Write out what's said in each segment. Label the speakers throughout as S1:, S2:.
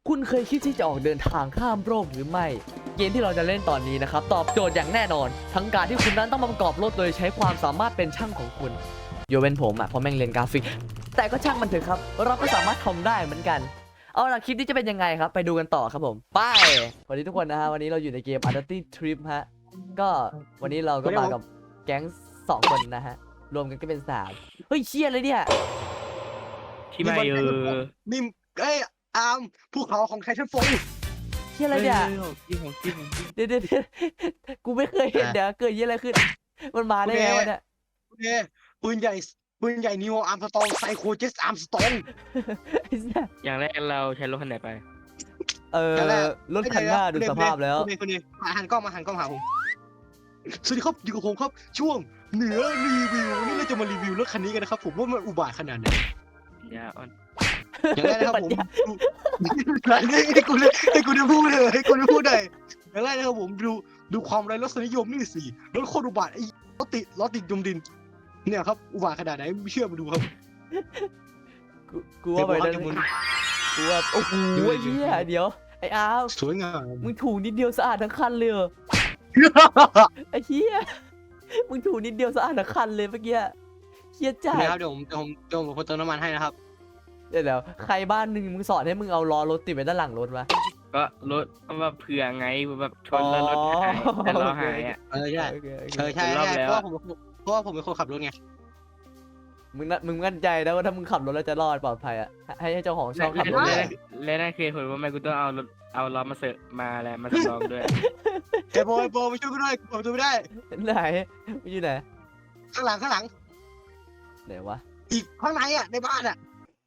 S1: คุณเคยคิดที่จะออกเดินทางข้ามโลกหรือไม่เกมที่เราจะเล่นตอนนี้นะครับตอบโจทย์อย่างแน่นอนทั้งการที่คุณนั้นต้องมาประกอบรถโดยใช้ความสามารถเป็นช่างของคุณโยเว้นผมเพราะแม่งเรียนกราฟิกแต่ก็ช่างมันเถอะครับเราก็สามารถทำได้เหมือนกันเอาล่ะคลิปนี้จะเป็นยังไงครับไปดูกันต่อครับผมไปสวัสดีทุกคนนะฮะวันนี้เราอยู่ในเกม Unity Trip ฮะก็วันนี้เราก็มากับแก๊ง2 คนนะฮะรวมกันก็เป็น3เฮ้ยเชี่ยเลยเนี่ย
S2: ที่ไม่
S3: นิ่มเอ้ยอาร์มภูเขาของไททันโฟล
S1: เชี่ยอะไรเนี่ย
S2: ของจริง
S1: เดี๋ยวกูไม่เคยเห็นเดี๋ยวเกิดยี่อะไรขึ้นมันมาได้ไงวะเนี่ย
S3: เนี่ยปืนใหญ่นิวอาร์มสตองไซโคเจสอาร์มสตอง
S1: ไอ้เหี้ย
S2: อย่างแรกเราใช้รถคันไหนไป
S1: รถคันหน้าดูสภาพแล้ว
S3: คุณหันกล้องมาหาผมสวัสดีครับอยู่กับผมครับช่วงเหนือรีวิวนี่เราจะมารีวิวรถคันนี้กันนะครับผมว่ามันอุบาทขนาดไหน
S2: ยาอ่อน
S3: อย่างแรกนะครับผมให้กูได้พูดเลยให้กูได้พูดเลยอย่างแรกนะครับผมดูความไร้รสนิยมนี่สิรถโคตรอุบาทไอ้รถติดยมดินเนี่ยครับอุบาทขนาดไหนไม่เชื่อมาดูครับ
S1: กูว่าไปนั่นกูว่าโอ้โหไอ้เหี้ยเดี๋ยวไอ้อาร์ม
S3: สวยงาม
S1: มึงถูนิดเดียวสะอาดทั้งคันเลยไอ้เหี้ยมึงถูนิดเดียวสะอาดทั้งคันเลยเมื่อกี้เหี้ยจัด
S3: นะครับเดี๋ยวผมคนเติมน้ำมันให้นะครับ
S1: เดี๋ยวใครบ้านหนึ่งมึงสอนให้มึงเอาล้อรถติดไว้ด้านหลังรถวะ
S2: ก็รถแบบเผื่อไงแบบชนแล้วรถหายแต่เราหายอ่ะ
S3: ใช่
S1: โอเค
S3: ใช่เพราะว่าผมเป็นคนขับรถไง
S1: มึงมั่นใจนะว่าถ้ามึงขับรถแล้วจะรอดปลอดภัยอ่ะให้เจ้าของช่องขับรถเลย
S2: และนั่นคือเหตุผลว่าแม่กูต้องเอาล้อมาเสริมมาแล้วมาสำรองด้วย
S3: ไอ้โบมาช่วยกูด้วยเปิดประตูไม่ได้
S1: ไหนมึงอยู่ไหน
S3: ข้างหลัง
S1: ไหนวะ
S3: อีกข้างในอ่ะในบ้านอ่ะ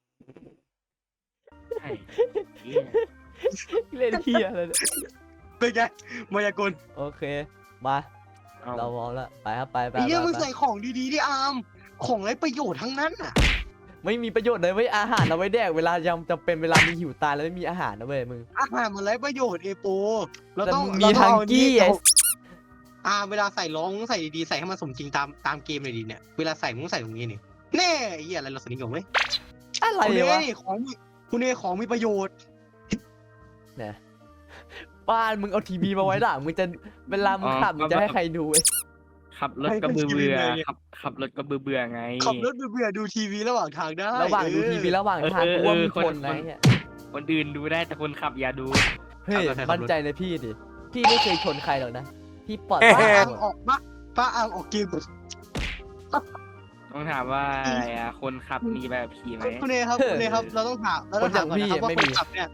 S2: ใช่
S1: เล่นเฮียอะไรเนี่ย
S3: เป็นไงมายากล
S1: โอเคมาเราพร้อมแล้วไปครับไป
S3: ไอ้เหี้ยมึงใส่ของดีๆที่อาร์มของไร้ประโยชน์ทั้งนั้นอ่ะ
S1: ไม่มีประโยชน์เลยเว้ยอาหารเอาไว้แดกเวลายังจำเป็นเวลามีหิวตายแล้วไม่มีอาหารนะเว้ยมึง
S3: อาหารมันไร้ประโยชน์เอโปเราต้อง
S1: มีทังกี้ไอ้
S3: เวลาใส่ร้องใส่ดีๆใส่ให้มันสมจริงตามเกมเลยดีเนี่ยเวลาใส่มึงใส่ตรงนี้นี่แน่ไอ้เหี้ยอะไรรสนิยมไหม
S1: อะไร
S3: คุณ
S1: วะ
S3: นี่คุณเอของมีประโยชน์
S1: เนี่ยบ้านมึงเอาทีวีมาไว้หลังมึงจะเวลามึงขับมึงจะให้ใครดูเว้ย
S2: ขับรถก็เบื่อขับรถก็เบื่อไง
S3: ขับรถเบื่อดูทีวีระหว่างทางได้
S1: ระหว่างดูทีวีระหว่างทางกูว่ามึงทนนะเนี่ย
S2: คนอื่นดูได้แต่คนขับอย่าดู
S1: เฮ้ยมั่นใจในพี่ดิพี่ไม่เคยชนใครหรอกนะพี่ปลอด
S3: ป้า
S1: ภัย
S3: อัง
S1: หมด
S3: ออกมาป้าอังออกเกม
S2: ต้องถามว่าอะไรอ่ะคนขับมีแบบขี่ไหม
S3: คุณเอครับเราต้องถามก่อนนะครับว่าคนขับเนี่ย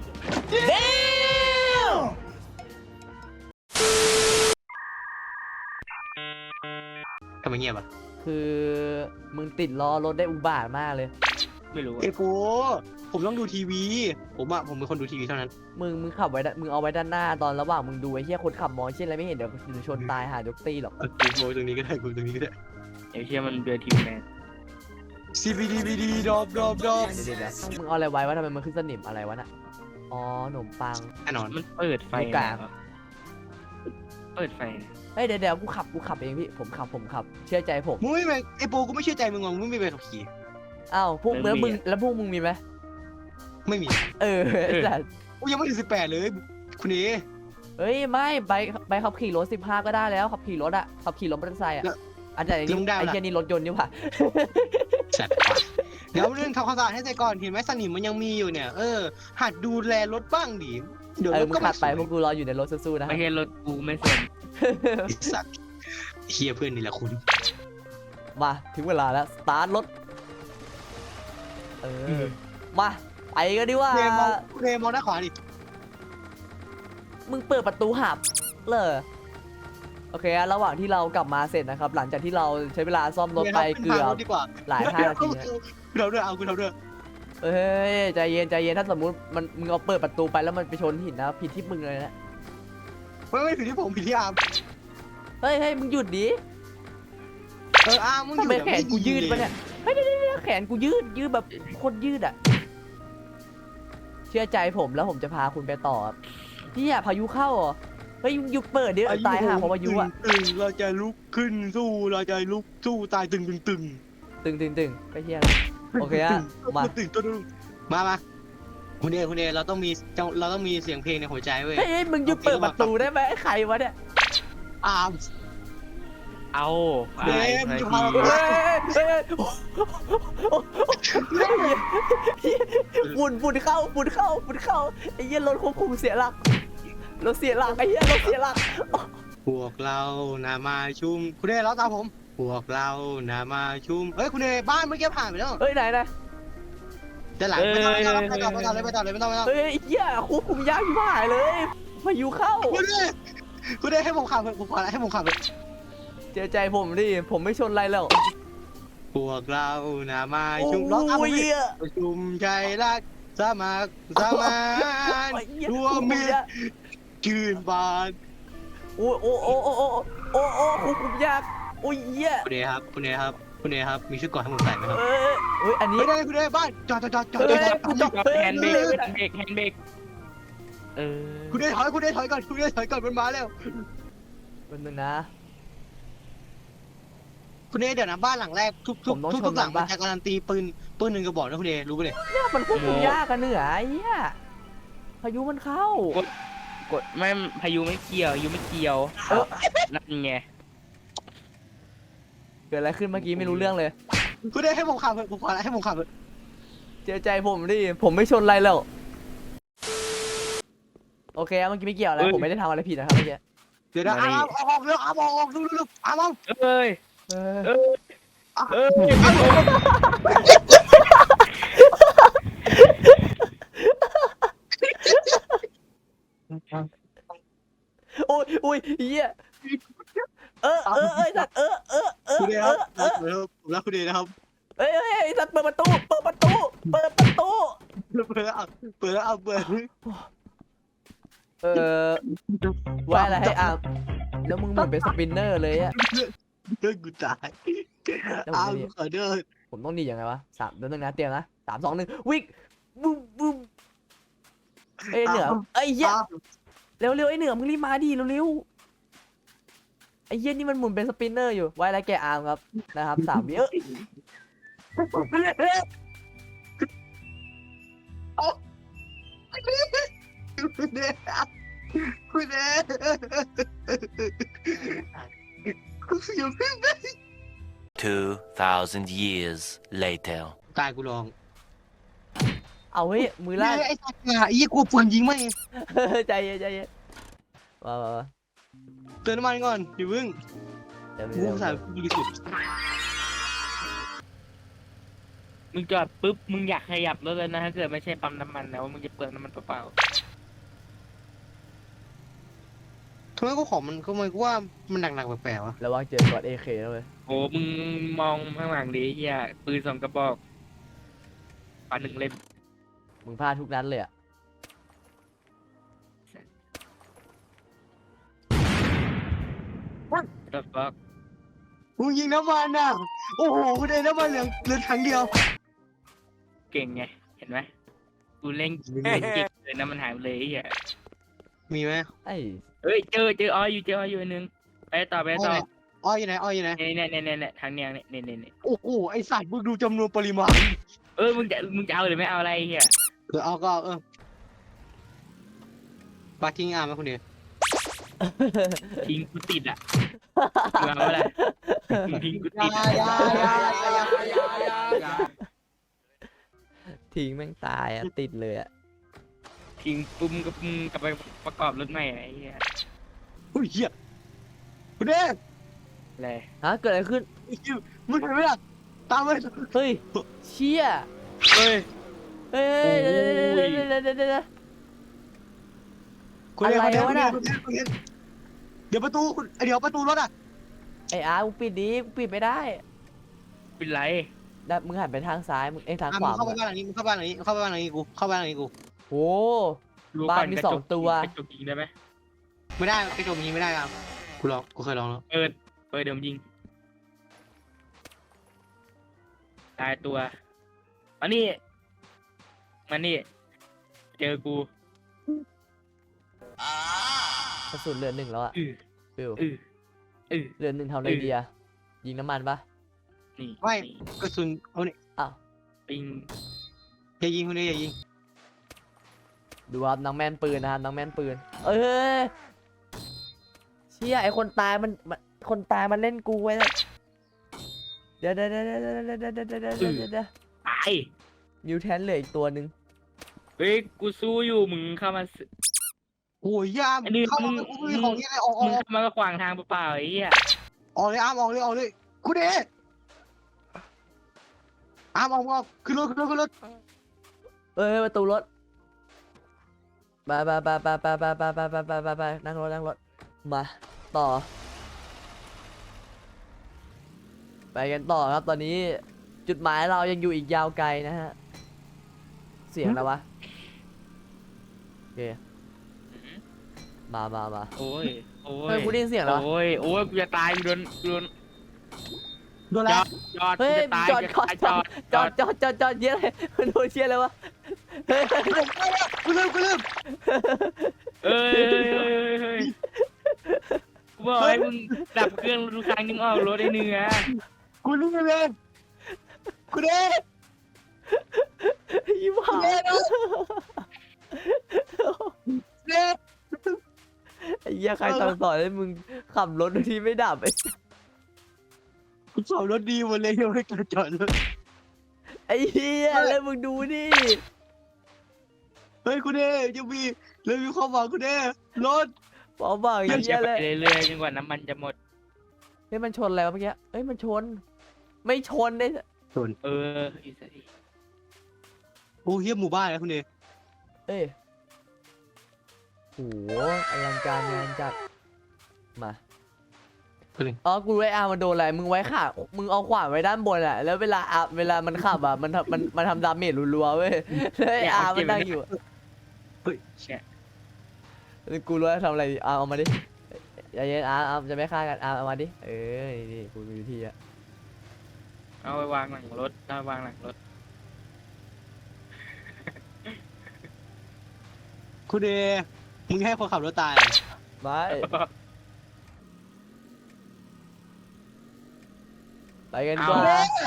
S3: ทำไมเงียบอ่ะ
S1: คือมึงติดล้อรถได้อุบาทมากเลย
S2: ไม่รู้
S3: เอโปผมต้องดูทีวีผมเป็นคนดูทีวีเท่านั้น
S1: มึงขับไว้มึงเอาไว้ด้านหน้าตอนระหว่างมึงดูไอ้เหี้ยคนขับมองเช่นอะไรไม่เห็นเดี๋ยวชนตายหายกตีหรอก
S3: กูตรงนี้ก็ได้กูตรงนี้ก็ได้
S2: ไอ้เชี่ยมันเบื่อทีมแมน
S3: CBDBD ดอบ
S1: เดี๋ยวมึงเอาอะไรไว้วะทำไมมันขึ้นสนิมอะไรวะน่ะอ๋อขนมปัง
S3: แน่นอน
S2: มันเปิดไฟ
S1: ลูกกลาง
S2: เปิดไฟ
S1: เฮ้ยเดี๋ยวกูขับเองพี่ผมขับเชื่อใจผม
S3: มึงไม่เป็นไอโปกูไม่เชื่อใจมึงมึงไม่เป็นขับขี่
S1: อ้าวพวกมึงมีไหม
S3: ไม่มี
S1: แต่
S3: กูยังไม่ถึง18เลยคุณเอ
S1: เฮ้ยไม่ใบขับขี่รถ15ก็ได้แล้วขับขี่รถอะขับขี่รถมอเตอร์ไซค์อะอันไหนนี่ไอ้เหี้ยนี่รถยนต์นี่หว่า
S3: จัดเดี๋ยวเรื่องทำความสะอาดให้เสร็จก่อนเห็นไหมสนิมมันยังมีอยู่เนี่ยหัดดูแลรถบ้างดิเดี๋ยวรถ
S1: มึง
S3: ก็
S1: ขับไปพวกกูรออยู่ในรถสู้ๆนะ
S2: ไม่ใช่รถกูไม่สน
S3: สัตว์เฮียเพื่อนนี่แหละคุณ
S1: มาถึงเวลาแล้วสตาร์ทรถมาไปกันดีว่า
S3: คุณเอมองด้านขวาดิ
S1: มึงเปิดประตูหับเลยโอเคระหว่างที่เรากลับมาเสร็จนะครับหลังจากที่เราใช้เวลาซ่อมรถไปเกือบหลาย5 นาที
S3: เราด้วยคุณเราด้วย
S1: เฮ้ยใจเย็นถ้าสมมุติมึงเอาเปิดประตูไปแล้วมันไปชนหินนะผิดที่มึงเลยนะ
S3: ไม่ผิดที่ผมผิดที่อาร์ม
S1: เฮ้ยมึงหยุดดิ
S3: อาร์มมึงอ
S1: ทำ
S3: ยู่
S1: ไมแขนกูยืดปะเนี่ยเฮ้ยเดี๋ยวแขนกูยืดแบบโคตรยืดอ่ะเชื่อใจผมแล้วผมจะพาคุณไปต่อพี่อะพายุเข้าเหรอเฮ้ยยุบเปิดดิตายห่าเพราะพายุอะ
S3: เราจะลุกขึ้นสู้เราจะลุกสู้ตายตึง
S1: ตึงไปเฮียโอเคอะมา
S3: ตึงตัวนึงมาคุณเอเราต้องมีเสียงเพลงในหัวใจเว้ย
S1: เฮ้ยมึงหยุดเปิดประตูได้ไหมใครวะเนี่ย
S3: อาร์ม
S2: เอา
S3: เฮ้ยมึงจะพาเราไป
S1: เฮ้ยเฮ้ยฝุ่นเข้าไอ้เหี้ยรถควบคุมเสียหลักไอ้เหี้ยรถเสียหลัก
S3: พวกเรานามาชุมคุณเอเราตามผมพวกเรานามาชุมเฮ้ยคุณเอบ้านเมื่อกี้ผ่านไปแล้ว
S1: เฮ้ยไหน
S3: จะหลังไม่ต้องไม่ต้อง
S1: เฮ้ยไอ้เหี้ยควบคุมยากที่หายเลยพายุเข้า
S3: คุณเอให้ผมขับผมขอให้ผมขับ
S1: เจอใจผมดิผมไม่ชนอะไรแล้ว
S3: พวกเรานามาชุม
S1: โอ้
S3: ร้องตามผม
S1: ย
S3: ดิ
S1: เหี้ย
S3: ชุมใจรักสามัคสมานรวมมิตรชื่นบาน
S1: โอ้ควบคุมยากโอ้ยเหี้ย
S3: คุณเอครับมีชุดเกราะให้ผมใส่ไหมครับ
S1: เฮ้ยอันนี้
S3: คุณเอบ้านจอด
S2: แฮนด์เบรกแฮนด์เบรก
S3: คุณเอถอยก่อนมันมาแล้ว
S1: เป็นนึงนะ
S3: คุณเอเดี๋ยวนะบ้านหลังแรกทุกหลังมันจะการันตีปืนหนึ่งกระบอกนะคุณเอรู้ปะเนี่ย
S1: เนี่ยมันควบคุมยากกันเหนือไอ้เหี้ยพายุมันเข้าก
S2: ดไม่พายุไม่เกี่ยวนั่นไง
S1: เกิดอะไรขึ้นเมื่อกี้ไม่รู้เรื่องเลย
S3: คุณเอให้ผมขับผมขอให้ผมขับ
S1: เจอใจผมดิผมไม่ชนอะไรแล้วโอเคเมื่อกี้ไม่เกี่ยวอะไรผมไม่ได้ทำอะไรผิดนะครับเมื่อกี้
S3: เดี๋ยวนะออกเร็วออกดูอาม
S2: เอ้ย
S1: เออ
S2: เอ้ย
S1: โอ้ยเหี้ยสัตว์
S3: คุณเอครับผมรักคุณเอนะครับ
S1: สัตว์เปิดประตู
S3: เปิด
S1: ไว้อะไรให้อ่ะแล้วมึงเหมือนเป็นสปินเนอร์เลยอะ
S3: เดินกูตายอามขอเดิน
S1: ผมต้องดียังไงวะ3 เดี๋ยวนึงนะเตรียมนะ3 2 1วิ่งบึ้มเหนือไอ้เหี้ยเร็วไอ้เหนือมึงรีบมาดิเร็วไอ้เหี้ยนี่มันหมุนเป็นสปินเนอร์อยู่ไว้อะไรแกอาร์มครับนะครับ3 วิ
S3: คุณเออยู่ขึ้น
S4: 2,000 years later.
S3: ตายกูลอง
S1: เอาเฮ้ยมือลั่น
S3: ไอ้สัตว์ไอ้ยี่กูปืนยิงไม่
S1: ใจเย็นมา
S3: เติมน้ำมันก่อนอย่าพึ่ง
S1: เดี๋ยว
S3: กูสายบริสุทธิ์
S2: มึงจอดปุ๊บมึงอยากขยับรถเลยนะถ้าเกิดไม่ใช่ปั๊มน้ำมันนะว่ามึงจะเปลืองน้ำมันเปล่า
S3: ทำไมกูของมันก็มันกูว่ามันหนักแปลกๆวะ
S1: ระวังเจอกอดAKแล้วเว้ย
S2: โอ้มึงมองข้างหลังดิเฮียปืน2 กระบอกปา1 เล่ม
S1: มึงพลาดทุกนัดเลยอะ
S2: ก็บอก
S3: กูยิงน้ำมันอ่ะโอ้โหกูได้น้ำมันเหลือถังเดียว
S2: เก่งไงเห็นไหมกูเล่นเก่งเลยนะมันหายไปเลยเฮีย
S3: มีไหม
S1: ไอ้
S2: เอ้ยเจออ้อยอยู่อันนึงไปต่อ
S3: อ้อยอยู่ไหน
S2: เนี่ยทางเนี้ยเนี่ย
S3: โอ้โหไอสัตว์มึงดูจำนวนปริมาณ
S2: มึงจะเอาหรือไม่เอาอะไรเฮีย
S3: เอาก็ปาทิ้งอาร์มไหมคุณเดีย
S2: ทิ้งกูติดอ่ะมึงเอาอะไรทิ้งกูติด
S1: ทิ้งแม่งตายอะติดเลยอะ
S2: ทิ้งปุ้มกับไปประกอบรถใหม่ไอ้เหี้ย
S3: อุ้ยเหี้ยคุณเดีย
S2: อะไร
S1: ฮะเกิดอะไรขึ้น
S3: มึงเห็นไหมล่ะตามไป
S1: เฮ้ยเชี่ย
S2: เฮ้ย
S1: เฮ้ย
S3: คุณเดียเดี๋ยวประตูรถอ่ะ
S1: ไอ้อาร์มึงปิดดิมึงปิดไม่ได้
S2: เป็นไร
S1: แล้วมึงหันไปทางซ้ายมึงทางข
S3: มึ
S1: วาง
S3: เข้าไปบ้านหลังนี้กู
S1: โอ้
S2: รู้
S1: บ้าน
S2: ก่อ
S1: มี
S2: กระจก
S1: 2 ตัว
S2: กระจกยิงได้ไหม
S3: ไม่ได้กระจกยิงไม่ได้ครับกูเคยลองแล้ว
S2: เปิดเดี๋ยวยิงตายตัวมานี่เจอกู
S1: กระสุนเหลือ1แล้วอะ
S2: อือ
S1: ฟิว
S2: อือ
S1: เหลือ1ทำอะไรดีอะยิงน้ำมันปะ
S2: นี่
S3: ไม่กระสุนเอาเนี่ย
S1: อ้าว
S2: ปิง
S3: อย่ายิงคุณเดียอย่ายิง
S1: ดูครับน้องแม่นปืนนะครับน้องแม่นปืนเอ้ยเชี่ยไอคนตายคนตายมันเล่นกูไว้เลยเดี๋ยว
S2: ตาย
S1: มิวแทนเหลืออีกตัวหนึ่ง
S2: เฮ้ยกูสู้อยู่มึงเข้ามา
S3: โอ้ยยาม
S2: ไอ้นี่
S3: เข้ามา
S2: มึง
S3: กูไม่มีของนี่เลยออก
S2: มึงเข้ามาก็ขวางทางเปล่าๆไอ้เหี้ย
S3: ออกเลยอามออกเลยกูเดอามออกขึ้นรถ
S1: เอ้ยประตูรถไปนั่งรถมาต่อไปกันต่อครับตอนนี้จุดหมายเรายังอยู่อีกยาวไกลนะฮะเสียงแล้ววะโอเคมา
S2: โอ้ยโอ้
S1: เฮ้
S2: ย
S1: ยกูได้ยินเสียงแล้ววะ
S2: โอ้ยกูจะตายกูโดน
S3: โดน
S2: จ
S3: แล้ว
S2: อด
S1: เฮ้ย
S2: กูจะตาย
S1: จอดเยอะเลยมันโดนเชียร์เลยวะเฮ้ย
S3: กูลืม
S2: เอ้ยกูบอกให้มึงดับเครื่องทุกครั้งนึงออกรถไอ้เนื้อ
S3: กูลืมเลยกูเด
S1: ยิ้มหา
S3: เด
S1: ไอ้เหี้ยใครสั่งสอนให้มึงขับรถโดยที่ไม่ดับไอ้
S3: กูขับรถดีหมดเลยยังไม่กระจอดรถ
S1: ไอ้เหี้ยแล้วมึงดูดิ
S3: เฮ้ยกูเดยังมีเลยมีความหวังกูเดรถ
S1: ปอบอกอย่าง
S2: จะ
S1: เงี้ย
S2: ไป
S1: เลย
S2: เรื่อยๆจนกว่าน้ำมันจะหมด
S1: เฮ้ยมันชนแล้วะเมื่อกี้เฮ้ยมันชน ไม่ชนได้
S2: เอออีสัตว์
S3: โอ้เฮียหมู่บ้านนะคุณเด
S1: เอ้ยโหอลังการงานจัดมาอ๋อกูไว้อามันโดนอะไรมึงไว้ขามึงเอาขวานไว้ด้านบนอะแล้วเวลามันขับอะมันทำดาเมจรัวๆเว้ยแล้วไอ้อามันนั่งอยู่
S2: เนี่ย
S1: กูรู้แล้วทำอะไรดีเอามาดิอย่าเย็นอาจะไม่ฆ่ากันเอามาดินี่กูมีวิธีอะ
S2: เอาไปวางหลังรถเอาไปวางหลังรถ
S3: คุณเดมึงให้คนขับรถตาย
S1: ไม่ไปกันก่อน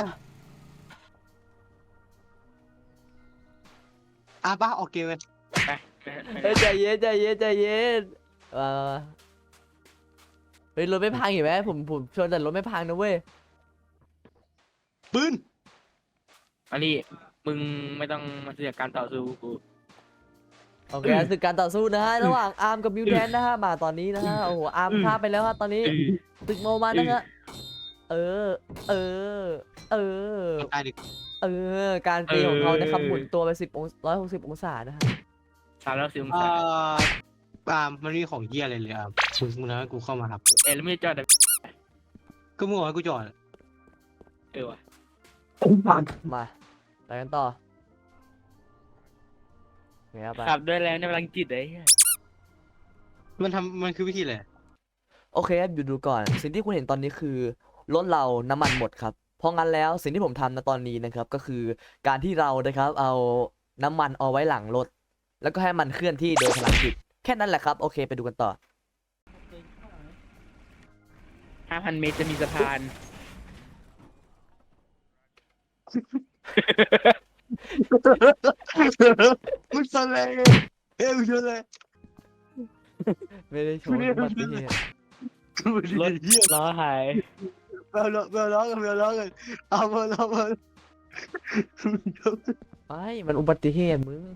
S3: ป้าออกเกมเลย
S2: ไป
S1: เฮ้ยใจเย็นมาเฮ้ยรถไม่พังเห็นไหมผมชนแต่รถไม่พังนะเว้ย
S3: ปืน
S2: มาดิมึงไม่ต้องมาเสียการต่อสู้กู
S1: โอเคศึกการต่อสู้นะฮะระหว่างอาร์มกับมิวแทนนะฮะมาตอนนี้นะฮะโอ้โหอาร์มฆ่าไปแล้วฮะตอนนี้ตึกโมมานะฮะเออ
S3: ตายดิ
S1: การตีของเขานะครับหมุนตัวไป160 องศานะฮะ
S2: 310 องศา
S3: มันมีของเหี้ยอะไรเลยมึงนะกูเข้ามาครับ
S2: แล้วไม่จอด
S3: ก็มึงบอกให้กูจอด
S2: ว่ะ
S1: มาไปกันต่อโอเคครับไป
S2: ขับด้วยแล้วในพลังจิตไอ้เหี้ย
S3: มันคือวิธีอะไร
S1: โอเคครับดูก่อนสิ่งที่คุณเห็นตอนนี้คือรถเราน้ำมันหมดครับเพราะงั้นแล้วสิ่งที่ผมทำณตอนนี้นะครับก็คือการที่เรานะครับเอาน้ำมันเอาไว้หลังรถแล้วก็ให้มันเคลื่อนที่โดยพลังจิตแค่นั้นแหละครับโอเคไปดูกันต่อ
S2: 5,000 เมตรจะมีสะพาน
S3: มึงสนเลยมึงชนเลย
S1: ไม่ได้ชนอุบัติเหตุ
S2: รถล้อหาย
S3: เบลล้อกันเอาเบลล้อ
S1: ไม่มันอุบัติเหตุมึง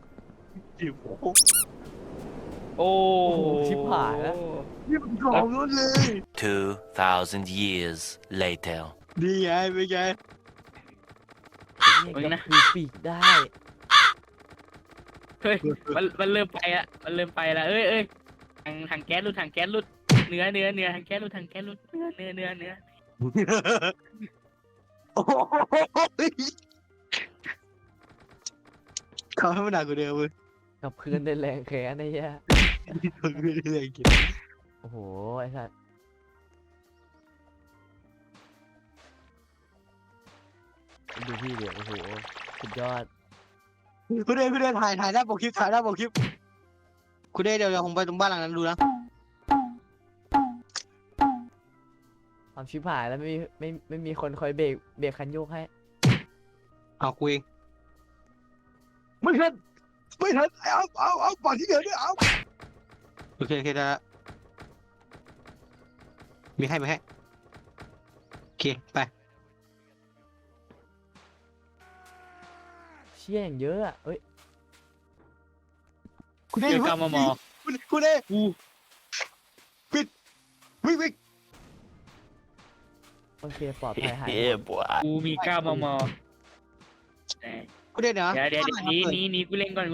S2: โอ้
S1: โหชิบหายแล้ว
S3: นี่มันของรถเลย
S4: 2,000 years later.
S3: ดีไงเป็นไง
S1: เนี่ยก็คือปีกได้
S2: เฮ้ยมันเริ่มไปละเอ้ยถังแก๊สรุดเนื้อถังแก๊สรุดเนื้อ
S3: โอ้ยเขาให้มันหนักกว่าเดิมเว้ย
S1: กับเพื่อนได้แรงแค้นไอ้เหี้ย
S3: คนไม่ได้เลยกิน
S1: โอ้โหไอ้สัสดูพี่เดี๋ยวโอ้โหสุดยอด
S3: คุณเดถ่ายหน้าปกคลิปคุณเดเดี๋ยวผมไปตรงบ้านหลังนั้นดูนะ
S1: ความชิบหายแล้วไม่มีคนคอยเบรกคันโยกให้
S3: เอากูเองมันขึ้นไม่ทันเอาปากที่เหลือด้วยเอาโอเคได้ละมีให้โอเคไป
S1: เชี่ยอย่างเยอะอะเอ้ย
S3: คุณ
S2: เจ
S3: เอ
S2: อกำมอ
S3: คุณเอปิดวิ่ง
S1: โอเคปลอดภัยหายหม
S4: Yeah,
S1: ด
S4: boy.
S2: กูมี9 มม
S3: คุณเอเดี๋ยว
S2: เดี๋ยวนี่กูเล่นก่อน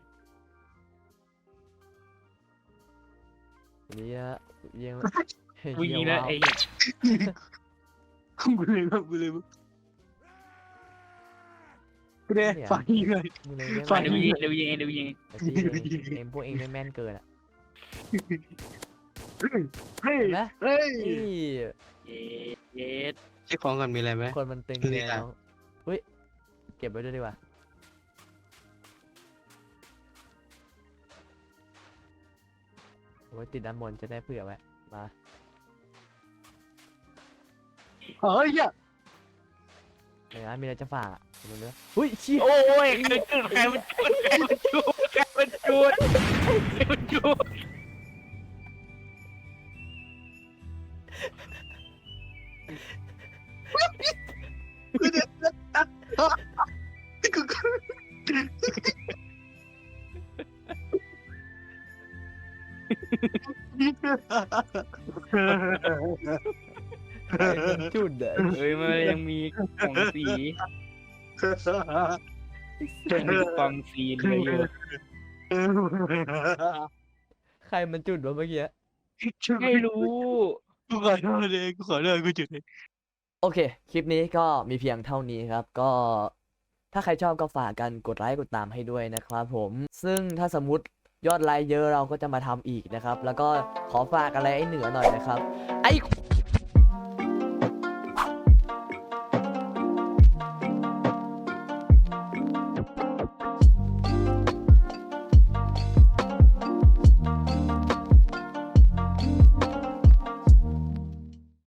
S1: นี่ฮะยัง
S2: กูยิงแล้วไอ้
S3: คุณเลยคุณเอฟังยิงเลย
S1: มึงเลยเรียก
S3: ฟั
S1: ว่าง
S2: เดี๋ยวยิง
S1: แต่ที่เองพวกเองไม่แม่นเกินอ่ะ
S3: เฮ้ย
S1: เห็นไหม
S3: เฮ้ย
S1: นี่
S2: เย็ด
S3: เช็คของกันมีอะไรไหม
S1: คนมันตึง
S3: นี่
S1: เลย
S3: อ่ะ
S1: น้องเฮ้ยเก็บไว้ด้วยดีกว่าโอ้ยติดด้านบนจะได้เผื่อไว้มา
S3: เฮ้ยอ่ะ
S1: เดี๋ยวนะมีอะไรจะฝากอ่ะมึงเนื้ออุ้ยเชี่ย
S2: โอ้ยใครมันจูด
S3: คุณเอ
S1: ใครมันจุดอ่ะ
S2: เฮ้ยมันยังมีกล่องสีกล่องสีเหลืออยู่
S1: ใครมันจุดวะเมื่อกี้
S2: ไม่รู้
S3: กูขอโทษเลยกูจุดเลย
S1: โอเค คลิปนี้ก็มีเพียงเท่านี้ครับ ก็ถ้าใครชอบก็ฝากกันกดไลค์กดตามให้ด้วยนะครับผม ซึ่งถ้าสมมติยอดไลค์เยอะเราก็จะมาทำอีกนะครับ แล้วก็ขอฝากอะไรไอ้เหนือหน่อยนะครับ ไอ้